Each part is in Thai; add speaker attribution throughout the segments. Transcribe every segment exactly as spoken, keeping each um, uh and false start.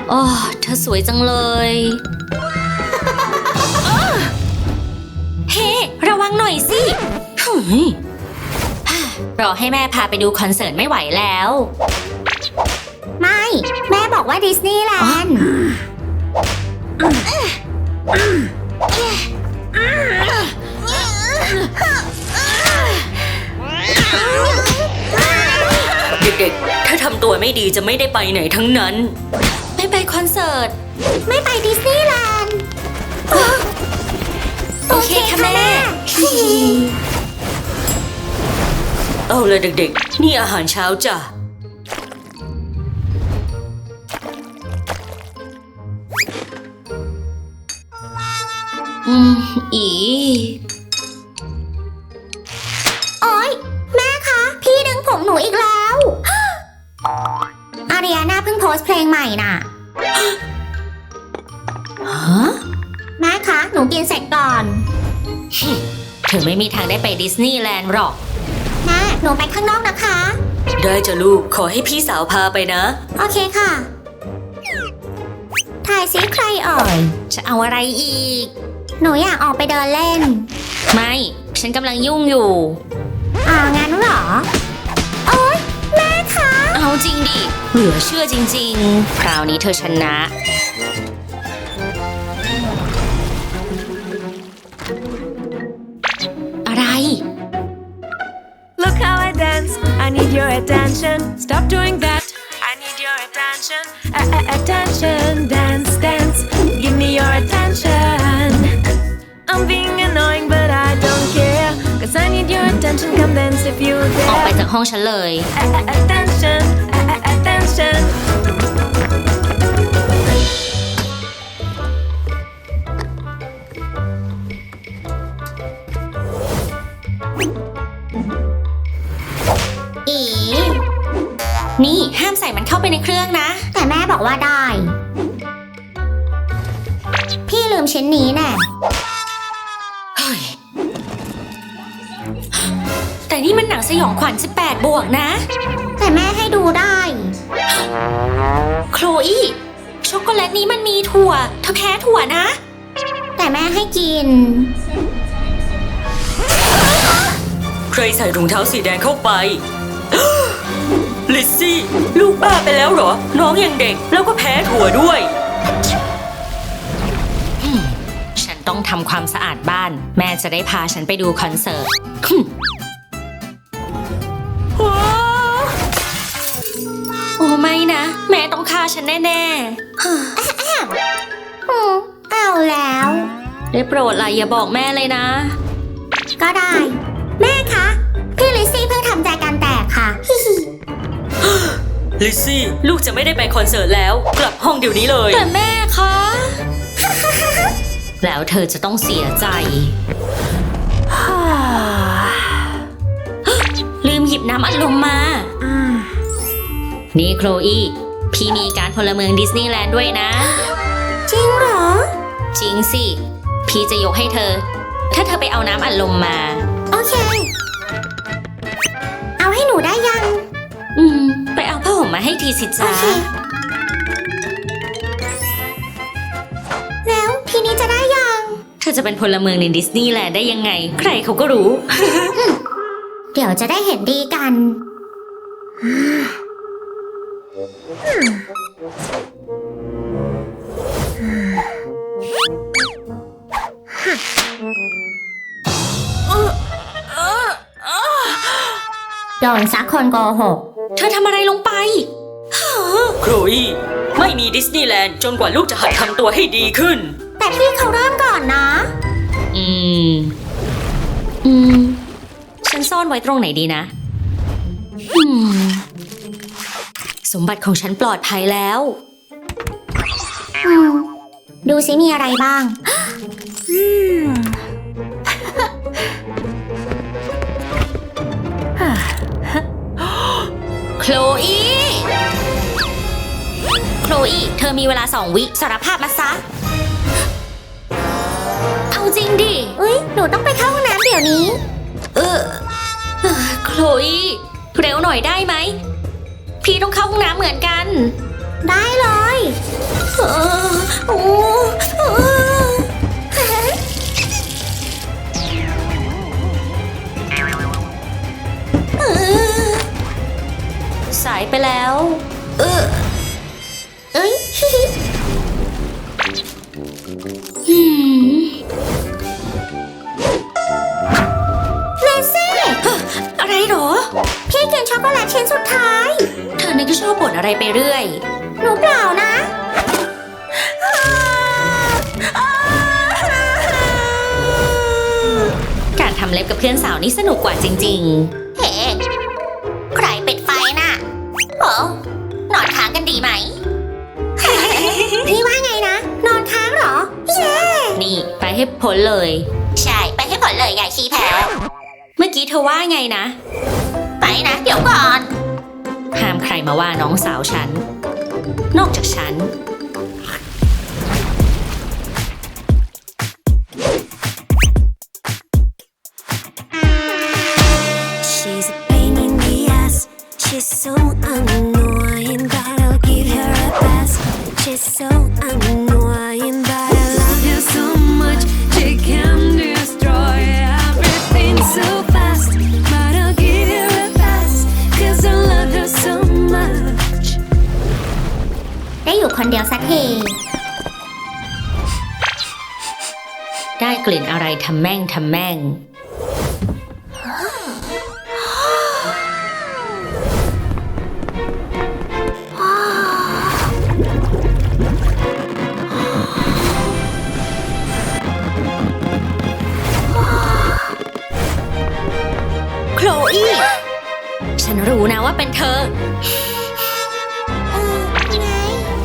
Speaker 1: โอ้เธอสวยจังเลยเฮ้ ระวังหน่อยสิรอให้แม่พาไปดูคอนเสิร์ตไม่ไหวแล้ว
Speaker 2: ไม่แม่บอกว่าดิสนีย์แลนด์
Speaker 1: เด็กๆถ้าทำตัวไม่ดีจะไม่ได้ไปไหนทั้งนั้นไม่ไปคอนเสิร์ต
Speaker 2: ไม่ไปดิสนีย์แลนด์
Speaker 1: โอเคค่ะแม่เอาเลยเด็กๆนี่อาหารเช้าจ้ะอืมอี
Speaker 2: โอ๊ยแม่คะพี่ดึงผมหนูอีกแล้วอาริอาน่าเพิ่งโพสต์เพลงใหม่น่ะ
Speaker 1: ฮะ
Speaker 2: แม่คะหนูกินเสร็จก่อน
Speaker 1: เธอไม่มีทางได้ไปดิสนีย์แลนด์หรอก
Speaker 2: แม่หนูไปข้างนอกนะคะ
Speaker 1: ได้จ้ะลูกขอให้พี่สาวพาไปนะ
Speaker 2: โอเคค่ะถ่ายซิใครเอ่ย
Speaker 1: จะเอาอะไรอีก
Speaker 2: หนูอยากออกไปเดินเล่น
Speaker 1: ไม่ฉันกำลังยุ่งอยู่
Speaker 2: อ้าวงั้นเหรอโอ๊ยแม่คะ
Speaker 1: เอาจริงดิเหลือเชื่อจริงๆคราวนี้เธอชนะอะไร
Speaker 3: Look how I dance I need your attention Stop doing that I need your attention A-a-attention Dance dance Give me your attention I'm being annoying but I don't care Cause I need your attention Come dance if you dare
Speaker 1: ออกไปจากห้องฉันเลย
Speaker 3: A-a-attention A-a-attention
Speaker 2: อี
Speaker 1: นี่ห้ามใส่มันเข้าไปในเครื่องนะ
Speaker 2: แต่แม่บอกว่าได้พี่ลืมชิ้นนี้แน่
Speaker 1: เฮ้ยแต่นี่มันหนังสยองขวัญสิบแปดบวกนะ
Speaker 2: แต่แม่ให้ดูได้
Speaker 1: โคลอี้ช็อกโกแลตนี้มันมีถั่วเธอแพ้ถั่วนะ
Speaker 2: แต่แม่ให้กิน
Speaker 1: ใครใส่รองเท้าสีแดงเข้าไปลิซซี่ลูกบ้าไปแล้วเหรอน้องยังเด็กแล้วก็แพ้ถั่วด้วยฉันต้องทำความสะอาดบ้านแม่จะได้พาฉันไปดูคอนเสิร์ตโอ้ไม่นะแม่ต้องฆ่าฉันแน่
Speaker 2: ๆเอาแล้ว
Speaker 1: ได้โปรดล่ะอย่าบอกแม่เลยนะ
Speaker 2: ก็ได้แม่คะพี่ลิซซี่เพิ่งทำใจกันแตกค่ะ
Speaker 1: ลิซซี่ลูกจะไม่ได้ไปคอนเสิร์ตแล้วกลับห้องเดี๋ยวนี้เลยแต่แม่คะแล้วเธอจะต้องเสียใจลืมหยิบน้ำอัดลมมานี่โคลอี้พี่มีการพลเมืองดิสนีย์แลนด์ด้วยนะ
Speaker 2: จริงเหรอ
Speaker 1: จริงสิพี่จะยกให้เธอถ้าเธอไปเอาน้ำอัดลมมา
Speaker 2: โอเคเอาให้หนูได้ยัง
Speaker 1: อืมไปเอาผ้าห่มมาให้ทีสิจ้า
Speaker 2: แล้วทีนี้จะได้ยัง
Speaker 1: เธอจะเป็นพลเมืองในดิสนีย์แลนด์ได้ยังไงใครเขาก็รู้
Speaker 2: เดี๋ยวจะได้เห็นดีกันโดนซักคนโกหก
Speaker 1: เธอทำอะไรลงไปโคลอี้ไม่มีดิสนีย์แลนด์จนกว่าลูกจะหัดทำตัวให้ดีขึ้น
Speaker 2: แต่พี่เขาเริ่มก่อนนะ
Speaker 1: อืมอืมฉันซ่อนไว้ตรงไหนดีนะอืมสมบัติของฉันปลอดภัยแล้ว
Speaker 2: อืมดูสิมีอะไรบ้างอืม
Speaker 1: โคลอี้โคลอี้เธอมีเวลาสองวิสารภาพมาซะเอาจริงดิ
Speaker 2: อุ๊ยหนูต้องไปเข้าห้องน้ำเดี๋ยวนี้
Speaker 1: เออโคลอี้เร็วหน่อยได้ไหมพี่ต้องเข้าห้องน้ำเหมือนกัน
Speaker 2: ได้เลยโอ้โอ้เออ
Speaker 1: สายไปแล้ว
Speaker 2: เออเอ้ย
Speaker 1: อืม
Speaker 2: เลซี่
Speaker 1: อะไรหรอ
Speaker 2: พี่กินช็อกโกแลตชิ้นสุดท้าย
Speaker 1: เธอนี่ก็ชอบบ่นอะไรไปเรื่อย
Speaker 2: หนูเปล่านะ
Speaker 1: การทำเล็บกับเพื่อนสาวนี่สนุกกว่าจริง
Speaker 2: เฮ้ใครปิดไฟน่ะโอ้นอนค้างกันดีไหม พี่ว่าไงนะ นอนค้างเหรอ เย้
Speaker 1: ๆ นี่ไปให้พ้นเลย
Speaker 2: ใช่ ไปให้ผลเลยใหญ่ชี้แพ้
Speaker 1: เมื่อกี้เธอว่าไงนะ
Speaker 2: ไปนะ เดี๋ยวก่อน
Speaker 1: ห้ามใครมาว่าน้องสาวฉัน นอกจากฉัน
Speaker 3: She's a pain in the ass. She's so annoying, but I'll give her a pass. She's so annoying, but I love her so much. She can destroy everything so fast. But I'll give her a pass, cause I love her so much.
Speaker 2: ได้อยู่คนเดียวสักที
Speaker 1: ได้กลิ่นอะไรทำแม่งทำแม่ง โคลอี้ ฉันรู้นะว่าเป็นเธอ
Speaker 2: เออไง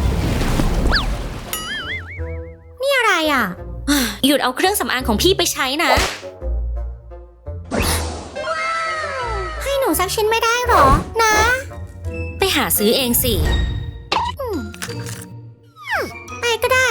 Speaker 2: นี่อะไรอ่ะ
Speaker 1: หยุดเอาเครื่องสำอางของพี่ไปใช้นะ
Speaker 2: ให้หนูสักชิ้นไม่ได้หรอ นะ
Speaker 1: ไปหาซื้อเองสิ
Speaker 2: ไปก็ได้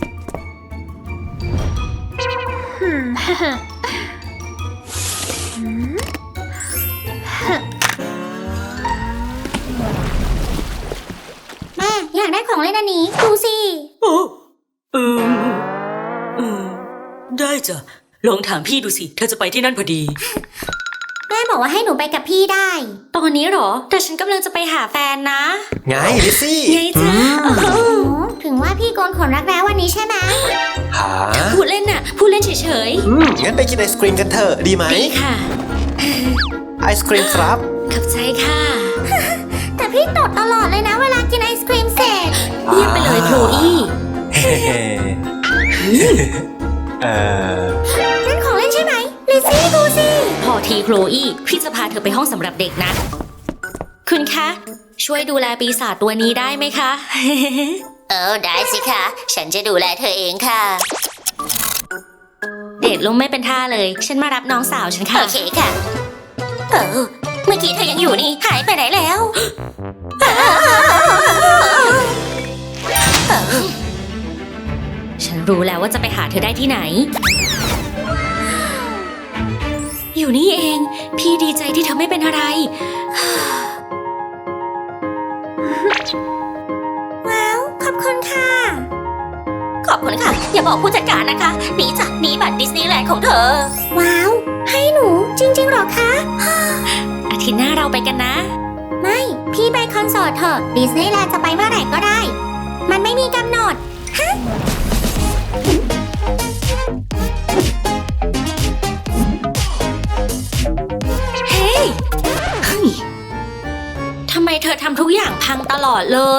Speaker 2: แม่อยากได้ของเล่นอันนี้ ดูสิ
Speaker 4: โอ้เออเออได้จ้ะ ลองถามพี่ดูสิ เธอจะไปที่นั่นพอดี
Speaker 2: แม่บอกว่าให้หนูไปกับพี่ได้
Speaker 1: ตอนนี้เหรอ แต่ฉันกำลังจะไปหาแฟนนะ
Speaker 5: ไงลิซซี่
Speaker 1: ไงจ๊ะ
Speaker 2: โอ้ถึงว่าพี่โกนขนรักแร้วันนี้ใช่ไหม
Speaker 5: หา
Speaker 1: พูดเล่นน่ะ พูดเล่นเฉย
Speaker 5: อืมงั้นไปกินไอศครีมกันเถอะ ดีไหม
Speaker 1: ๆ ดีค่ะ
Speaker 5: ไอศครีมครับ
Speaker 1: ขอบใจค่ะ
Speaker 2: แต่พี่ตดตลอดเลยนะเวลากินไอศครีมเสร็จ
Speaker 1: เยี่ยมไปเลยโคลอี้
Speaker 5: เฮ้เออ
Speaker 2: นั่นของเล่นใช่ไหมลิซซี่ดูสิ
Speaker 1: พอทีโคลอี้พี่จะพาเธอไปห้องสำหรับเด็กนะ คุณคะ ช่วยดูแลปีศาจตัวนี้ได้ไหมคะ
Speaker 2: เออได้สิคะ ฉันจะดูแลเธอเองค่ะ
Speaker 1: เดทลงไม่เป็นท่าเลย ฉันมารับน้องสาวฉันค่ะ
Speaker 2: โอเคค่ะ เออ เมื่อกี้เธอยังอยู่นี่ หายไปไหนแล้ว
Speaker 1: ฉันรู้แล้วว่าจะไปหาเธอได้ที่ไหน อยู่นี่เอง พี่ดีใจที่เธอไม่เป็นอะไร
Speaker 2: ว้าว ขอบคุณค่ะ ขอบคุณค่ะ อย่าบอกผู้จัดการนะคะนี่จ้ะนี่บัตรดิสนีย์แลนด์ของเธอ ว้าว ให้หนูจริงๆหรอคะ
Speaker 1: อาทิตย์หน้าเราไปกันนะ
Speaker 2: ไม่ พี่ไปคอนเสิร์ตเถอะดิสนีย์แลนด์จะไปเมื่อไหร่ก็ได้ มันไม่มีกำหนด ฮะ
Speaker 1: เฮ้ยเฮ้ยทำไมเธอทำทุกอย่างพังตลอดเลย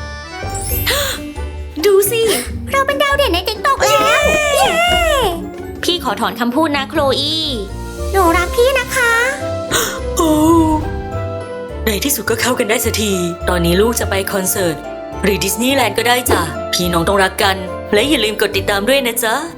Speaker 1: ดูสิ
Speaker 2: เราเป็นดาวเด่นในติ๊กต็อกแล้ว เย้
Speaker 1: พี่ขอถอนคำพูดนะโคลอี้
Speaker 2: หนูรักพี่นะคะ
Speaker 4: โอ้ในที่สุดก็เข้ากันได้สักที ตอนนี้ลูกจะไปคอนเสิร์ต หรือดิสนีย์แลนด์ก็ได้จ้ะ พี่น้องต้องรักกัน และอย่าลืมกดติดตามด้วยนะจ๊ะ